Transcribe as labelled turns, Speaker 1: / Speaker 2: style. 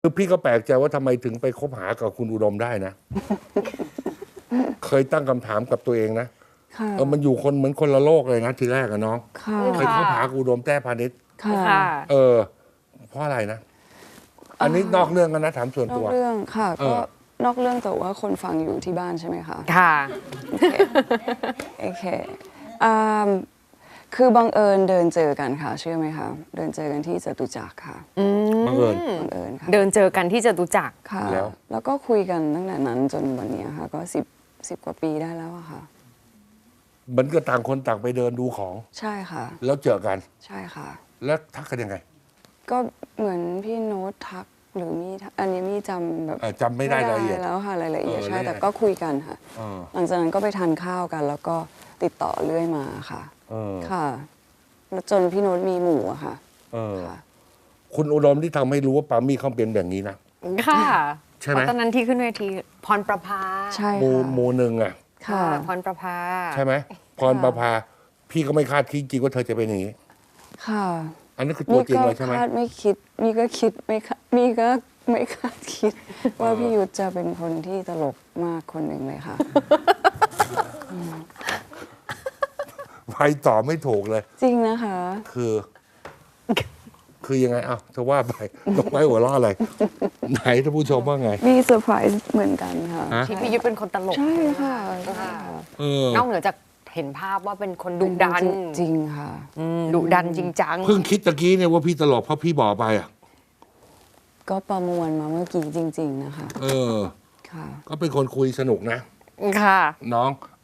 Speaker 1: คือพี่ก็แปลกใจว่าทำไมถึงไปคบหากับคุณอุดมได้นะ เคยตั้งคำถามกับตัวเองนะ
Speaker 2: ค่ะ
Speaker 1: มันอยู่คนเหมือนคนละโลกเลยนะทีแรกอะน้อง
Speaker 2: ค่ะ
Speaker 1: เคยคบหากับอุดมแต้พาณิชย์
Speaker 2: ค่ะ
Speaker 3: ค่ะ
Speaker 1: เพราะอะไรนะ อันนี้นอกเรื่องกันนะถามส่วน
Speaker 2: นอ
Speaker 1: ตั
Speaker 2: ก
Speaker 1: ว
Speaker 2: เรื่องค่ะ
Speaker 1: เอ
Speaker 2: ก็
Speaker 1: อ
Speaker 2: นอกเรื่องแต่ว่าคนฟังอยู่ที่บ้านใช่ไหมคะ
Speaker 3: ค่ะ
Speaker 2: โอเคอ่าคือบังเอิญเดินเจอกันค่ะเชื่อไหมคะเดินเจอกันที่จตุจักรค่ะ
Speaker 1: บังเอิญ
Speaker 2: บังเอิญค่ะ
Speaker 3: เดินเจอกันที่จตุจักร
Speaker 2: ค่ะ
Speaker 1: แล้ว
Speaker 2: ก็คุยกันตั้งแต่นั้นจนวันนี้ค่ะ ก็สิบกว่าปีได้แล้วอะค่ะ
Speaker 1: มันก็ต่างคนต่างไปเดินดูของ
Speaker 2: ใช่ค่ะ
Speaker 1: แล้วเจอกัน
Speaker 2: ใช่ค่ะ
Speaker 1: แล้วทักกันยังไง
Speaker 2: ก็เหมือนพี่โน้ตทักหรือมีทักอันนี้มีจำแบบ
Speaker 1: จำไม่ได้รายละเอียด
Speaker 2: แล้วค่ะรายละเอียด
Speaker 1: เออ
Speaker 2: ใช่
Speaker 1: แล้วยังไง
Speaker 2: แต่ก็คุยกันค่ะ
Speaker 1: เออ
Speaker 2: หลังจากนั้นก็ไปทานข้าวกัน แล้วก็ติดต่อเรื่อยมาค่ะ
Speaker 1: เออ
Speaker 2: ค่ะ แล้วจนพี่โน้ตมีหมู่อะค่ะ
Speaker 1: เออ
Speaker 2: ค่ะ
Speaker 1: คุณอุดมที่ทำให้รู้ว่าปามี่เขาเป็นแบบนี้นะ
Speaker 3: ค่ะ
Speaker 1: ใช่ไหม
Speaker 3: เพราะตอนนั้นที่ขึ้นเวทีพรประภา
Speaker 2: ใช่
Speaker 1: หมู
Speaker 2: ค่ะ
Speaker 1: หมูหนึ่งอ่ะ
Speaker 2: ค่ะ
Speaker 3: พรประภา
Speaker 1: ใช่ไหมพรประภา พี่ก็ไม่คาดคิดจริงว่าเธอจะเป็นอย่างนี้
Speaker 2: ค่ะ
Speaker 1: อันนี้คือตัวจริงเลยใช่ไหม
Speaker 2: คาดไม่คิดมีก็คิดไม่คาดมีก็ไม่คาดคิด ว่าพี่ยุทธจะเป็นคนที่ตลกมากคนหนึ่งเลยค่ะ
Speaker 1: ไปต่อไม่ถูกเลย
Speaker 2: จริงนะคะ
Speaker 1: คือยังไงเอ้าเธอว่าไปตกไม้หัวล้ออะไร ไหนท่านผู้ชมว่าไง
Speaker 2: มีเซอร์ไพรส์เหมือนกันค่ะ
Speaker 1: ฮะ
Speaker 3: ที่พี่ยุทธเป็นคนตลก
Speaker 2: ใช่ค่ะใช่ค่ะ
Speaker 1: เออน
Speaker 3: อกเหนือจากเห็นภาพว่าเป็นคนดุดัน
Speaker 2: จริงค่ะ
Speaker 3: ดุดันจริงจัง
Speaker 1: เพิ่งคิดตะกี้เนี่ยว่าพี่ตลกเพราะพี่บอกไปอ่ะ
Speaker 2: ก็ประมวลมาเมื่อกี้จริง ๆ นะคะ
Speaker 1: เออ
Speaker 2: ค่ะ
Speaker 1: ก็เป็นคนคุยสนุกนะ
Speaker 3: ค่ะ
Speaker 1: น้อง